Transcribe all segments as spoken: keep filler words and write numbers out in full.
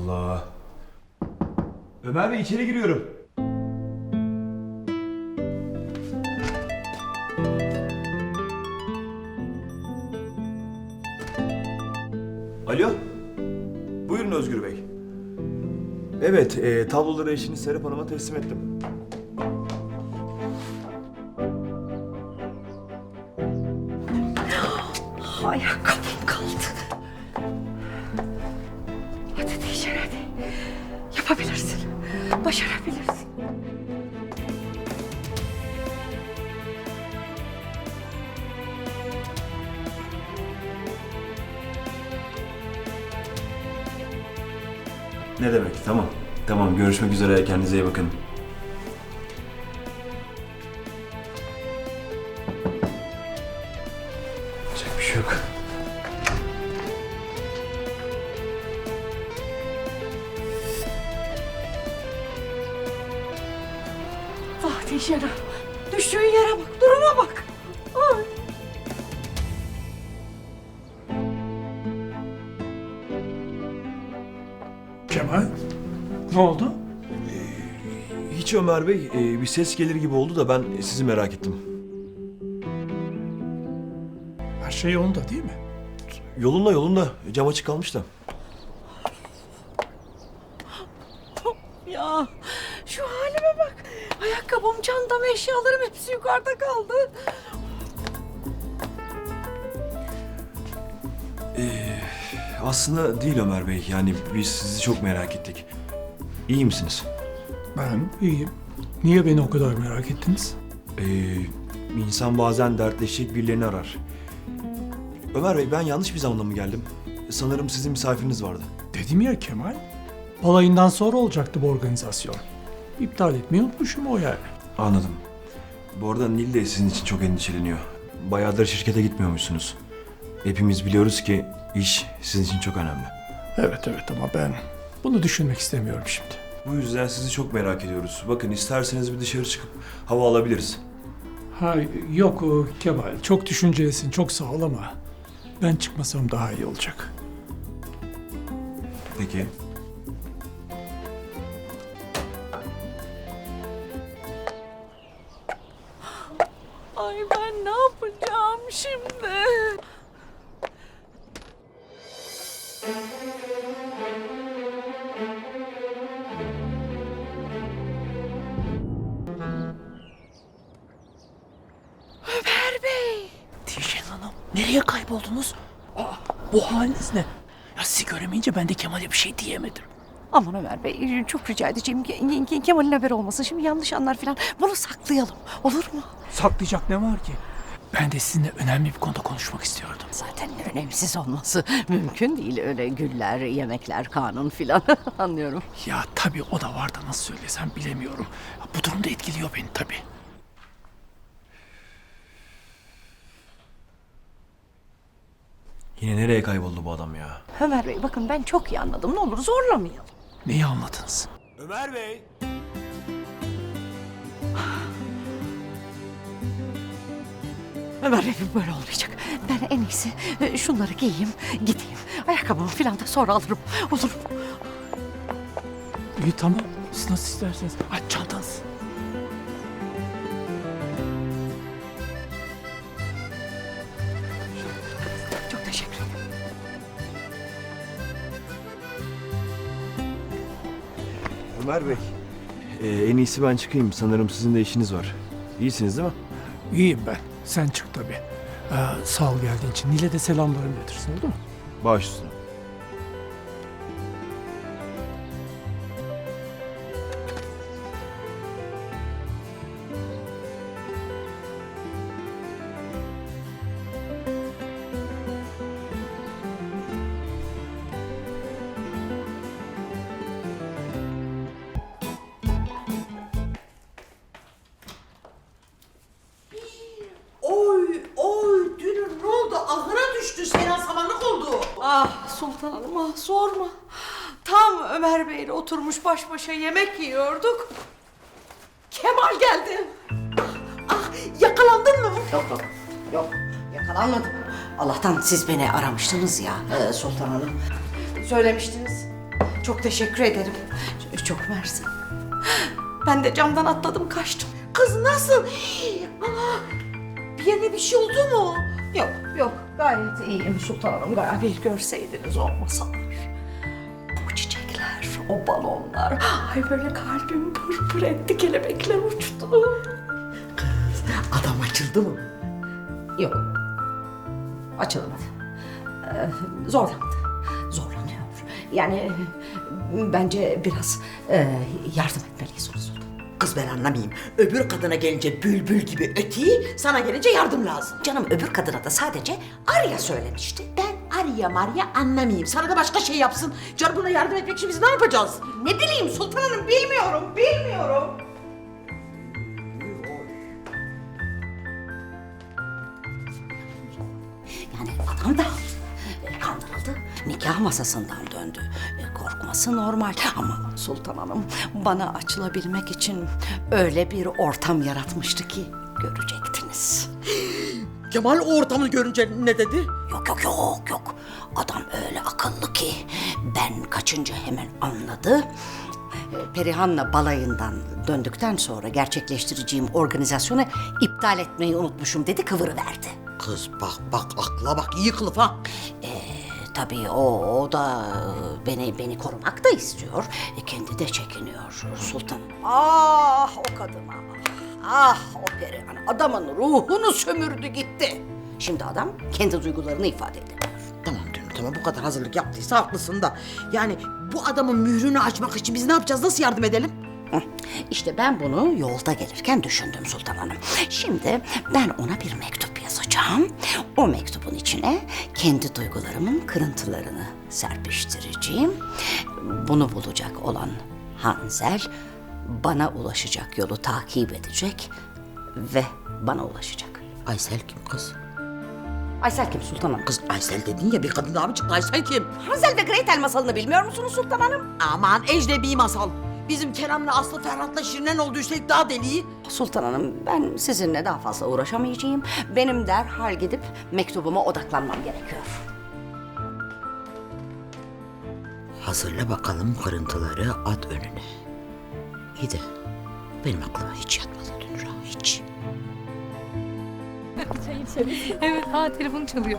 Allah. Ömer Bey içeri giriyorum. Alo. Buyurun Özgür Bey. Evet, e, tabloları eşiniz Serap Hanım'a teslim ettim. Ayakkabım kaldı. Hadi Dişer hadi. Yapabilirsin. Başarabilirsin. Ne demek? Tamam. Tamam, görüşmek üzere. Kendinize iyi bakın. Yapacak bir şey yok. Ah Dişer düştüğün yere bak, duruma bak. Ay. Kemal, ne oldu? Hiç Ömer Bey, e, bir ses gelir gibi oldu da ben sizi merak ettim. Her şey yolunda değil mi? Yolunda yolunda. Cam açık kalmış da. Ya şu halime bak. Ayakkabım, çantam, eşyalarım hepsi yukarıda kaldı. Aslında değil Ömer Bey. Yani biz sizi çok merak ettik. İyi misiniz? Ben iyiyim. Niye beni o kadar merak ettiniz? Ee, insan bazen dertleşecek birilerini arar. Ömer Bey, ben yanlış bir zamanda mı geldim? Sanırım sizin misafiriniz vardı. Dedim ya Kemal, balayından sonra olacaktı bu organizasyon. İptal etmeyi unutmuşum o yani. Anladım. Bu arada Nil de sizin için çok endişeleniyor. Bayağıdır şirkete gitmiyormuşsunuz. Hepimiz biliyoruz ki iş sizin için çok önemli. Evet evet ama ben bunu düşünmek istemiyorum şimdi. Bu yüzden sizi çok merak ediyoruz. Bakın, isterseniz bir dışarı çıkıp hava alabiliriz. Ha yok o Kemal, çok düşüncelisin, çok sağ ol ama ben çıkmasam daha iyi olacak. Peki. Ay ben ne yapacağım şimdi? Ömer Bey. Dişen Hanım, nereye kayboldunuz? Aa, bu haliniz ne? Ya sizi göremeyince ben de Kemal'e bir şey diyemedim. Aman Ömer Bey çok rica edeceğim. Ke- Ke- Kemal'in haberi olmasın. Şimdi yanlış anlar falan. Bunu saklayalım. Olur mu? Saklayacak ne var ki? Ben de sizinle önemli bir konuda konuşmak istiyordum. Zaten önemsiz olması mümkün değil. Öyle güller, yemekler, kanun filan. Anlıyorum. Ya tabii o da var da nasıl söylesem bilemiyorum. Bu durum da etkiliyor beni tabii. Yine nereye kayboldu bu adam ya? Ömer Bey bakın ben çok iyi anladım. Ne olur zorlamayalım. Neyi anladınız? Ömer Bey! Ömer Bey böyle olmayacak. Ben en iyisi e, şunları giyeyim, gideyim. Ayakkabımı filan da sonra alırım. Olur mu? İyi tamam. Siz nasıl isterseniz. Aç çantanız. Çok teşekkür ederim. Ömer Bey, ee, en iyisi ben çıkayım. Sanırım sizin de işiniz var. İyisiniz değil mi? İyiyim ben. Sen çık tabii. Ee, sağ ol geldiğin için. Nil'e de selamlarımı iletirsin oldu mu? Baş üstüne. Oy oy dünür ne oldu? Ahıra düştü. Seyran samanlık oldu. Ah Sultan Hanım ah sorma. Tam Ömer Bey'le oturmuş baş başa yemek yiyorduk. Kemal geldi. Ah yakalandın mı? Yok yok yok yakalanmadım. Allah'tan siz beni aramıştınız ya e, Sultan Hanım. Söylemiştiniz. Çok teşekkür ederim. Çok mersi. Ben de camdan atladım kaçtım. Kız nasıl? Hii, ana, bir yerine bir şey oldu mu? Yok yok gayet iyiyim sultanım. Gayet bir görseydiniz o masalar. O çiçekler, o balonlar. Ay böyle kalbim pırpır etti, kelebekler uçtu. Kız adam açıldı mı? Yok. Açılmadı. Ee, zorlandı. Zorlanıyor. Yani e, bence biraz e, yardım etmeliyiz ona sultanım. Kız ben anlamayayım. Öbür kadına gelince bülbül gibi öteyi, sana gelince yardım lazım. Canım öbür kadına da sadece Arya söylemişti. Ben Arya Marya anlamayayım. Sana da başka şey yapsın. Canım buna yardım etmek için biz ne yapacağız? Ne bileyim sultanım bilmiyorum, bilmiyorum. Yani adam da e, kandırıldı. Nikah masasından döndü. E, korkması normal ama Sultan Hanım bana açılabilmek için öyle bir ortam yaratmıştı ki görecektiniz. Kemal o ortamı görünce ne dedi? Yok yok yok yok. Adam öyle akıllı ki ben kaçınca hemen anladı. E, Perihan'la balayından döndükten sonra gerçekleştireceğim organizasyonu iptal etmeyi unutmuşum dedi, kıvırıverdi. Kız bak bak akla bak iyi kılıf ha. Ee, tabii o, o da e, beni beni korumak da istiyor. E, kendi de çekiniyor sultanım. Ah o kadına. Ah o Perihan adamın ruhunu sömürdü gitti. Şimdi adam kendi duygularını ifade edemiyor. Tamam canım tamam bu kadar hazırlık yaptıysa haklısın da. Yani bu adamın mührünü açmak için biz ne yapacağız? Nasıl yardım edelim? Hı, İşte ben bunu yolda gelirken düşündüm Sultan Hanım. Şimdi ben ona bir mektup yazacağım. O mektubun içine kendi duygularımın kırıntılarını serpiştireceğim. Bunu bulacak olan Hanzel bana ulaşacak yolu takip edecek ve bana ulaşacak. Aysel kim kız? Aysel kim Sultan Hanım? Kız Aysel dedin ya bir kadın daha mı çıktı? Aysel kim? Hansel ve Gretel masalını bilmiyor musunuz Sultan Hanım? Aman ecnebi masal. Bizim Kerem'le Aslı Ferhat'la Şirinen oldu üstelik daha deliği. Sultan Hanım ben sizinle daha fazla uğraşamayacağım. Benim derhal gidip mektubuma odaklanmam gerekiyor. Hazırla bakalım kırıntıları at önüne. İyi de benim aklıma hiç yatmadı Dünra hiç. Evet, ha telefon çalıyor.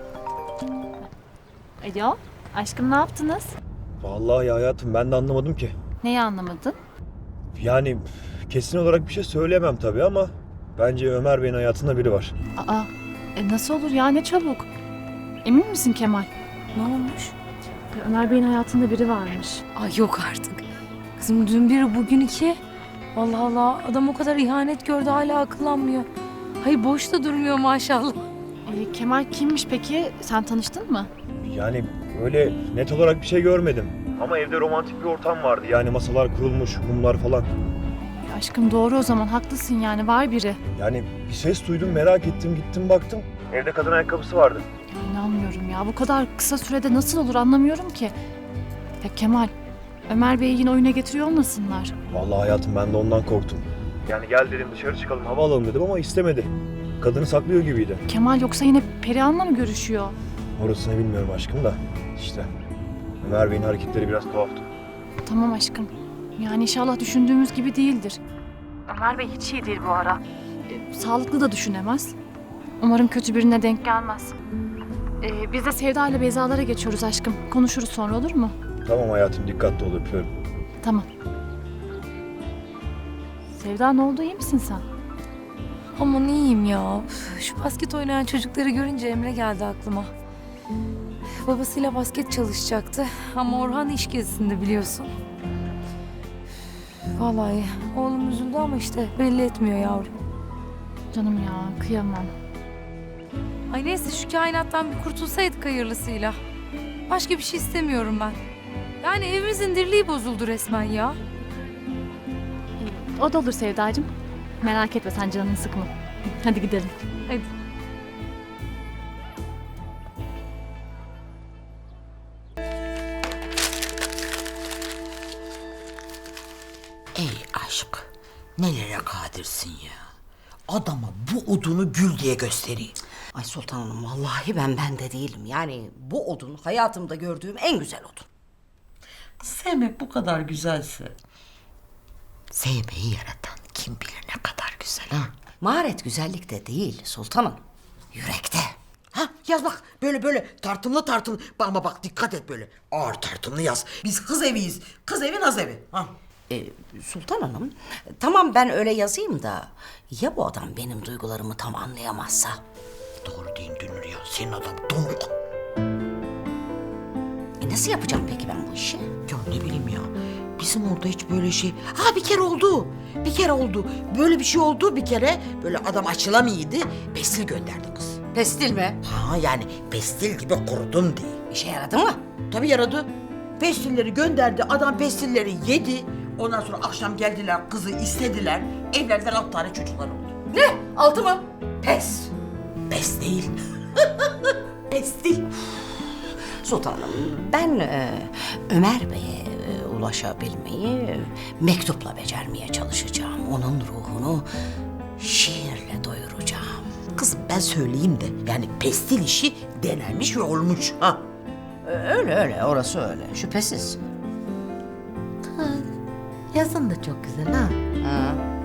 Alo, aşkım ne yaptınız? Vallahi hayatım ben de anlamadım ki. Neyi anlamadın? Yani kesin olarak bir şey söyleyemem tabii ama bence Ömer Bey'in hayatında biri var. Aa, e nasıl olur ya, ne çabuk. Emin misin Kemal? Ne olmuş? Ömer Bey'in hayatında biri varmış. Ay yok artık. Kızım dün bir bugün iki. Allah Allah adam o kadar ihanet gördü hala akıllanmıyor. Hayır boşta durmuyor maşallah. E, Kemal kimmiş peki? Sen tanıştın mı? Yani öyle net olarak bir şey görmedim. Ama evde romantik bir ortam vardı. Yani masalar kurulmuş, mumlar falan. E, aşkım doğru o zaman, haklısın yani, var biri. Yani bir ses duydum, merak ettim, gittim baktım. Evde kadın ayakkabısı vardı. Ya, inanmıyorum ya, bu kadar kısa sürede nasıl olur anlamıyorum ki. Ya Kemal, Ömer Bey'i yine oyuna getiriyor olmasınlar? Vallahi hayatım ben de ondan korktum. Yani gel dedim dışarı çıkalım, hava alalım dedim ama istemedi. Kadını saklıyor gibiydi. Kemal yoksa yine Perihan'la mı görüşüyor? Orasını bilmiyorum aşkım da işte. Ömer Bey'in hareketleri biraz tuhaftı. Tamam aşkım. Yani inşallah düşündüğümüz gibi değildir. Ömer Bey hiç iyi değil bu ara. E, sağlıklı da düşünemez. Umarım kötü birine denk gelmez. E, biz de Sevda ile Beyza'lara geçiyoruz aşkım. Konuşuruz sonra, olur mu? Tamam hayatım, dikkatli ol, öpüyorum. Tamam. Sevda ne oldu, iyi misin sen? Aman iyiyim ya. Üf, Şu basket oynayan çocukları görünce Emre geldi aklıma. Babasıyla basket çalışacaktı ama Orhan iş gezisinde biliyorsun. Üf, Vallahi oğlum üzüldü ama işte belli etmiyor yavrum. Canım ya, kıyamam. Ay neyse şu kainattan bir kurtulsaydık hayırlısıyla. Başka bir şey istemiyorum ben. Yani evimizin dirliği bozuldu resmen ya. O da olur Sevdacığım. Merak etme, sen canını sıkma. Hadi gidelim. Hadi. Ey aşk nelere kadirsin ya. Adama bu odunu gül diye göstereyim. Ay Sultan Hanım vallahi ben bende değilim. Yani bu odun hayatımda gördüğüm en güzel odun. Sevmek bu kadar güzelse. Sevmeyi yaratan kim bilir ne kadar güzel ha. Maharet güzellikte değil sultanım. Yürekte. Ha yaz bak böyle böyle tartımlı tartımlı. Ama bak dikkat et böyle. Ağır tartımlı yaz. Biz kız eviyiz. Kız evi naz evi. Ha. Ee, Sultan Hanım, tamam ben öyle yazayım da ya bu adam benim duygularımı tam anlayamazsa? Doğru deyin Dünür ya. Senin adam donuk. E nasıl yapacağım peki ben bu işi? Ya ne bileyim ya. Bizim orada hiç böyle şey... Ha bir kere oldu. Bir kere oldu. Böyle bir şey oldu bir kere. Böyle adam açılamıyordu. Pestil gönderdi kız. Pestil mi? Ha yani pestil gibi kurudum diye. İşe yaradı mı? Tabii yaradı. Pestilleri gönderdi. Adam pestilleri yedi. Ondan sonra akşam geldiler kızı istediler. Evlerden alt tane çocuklar oldu. Ne? Altı mı? Pes. Pes değil. Pestil. Sultan Hanım, ben e, Ömer Bey'e e, ulaşabilmeyi e, mektupla becermeye çalışacağım. Onun ruhunu şiirle doyuracağım. Kızım ben söyleyeyim de yani pestil işi denenmiş ve olmuş. Ha. E, öyle öyle, orası öyle. Şüphesiz. Yazın da çok güzel ha. Ha.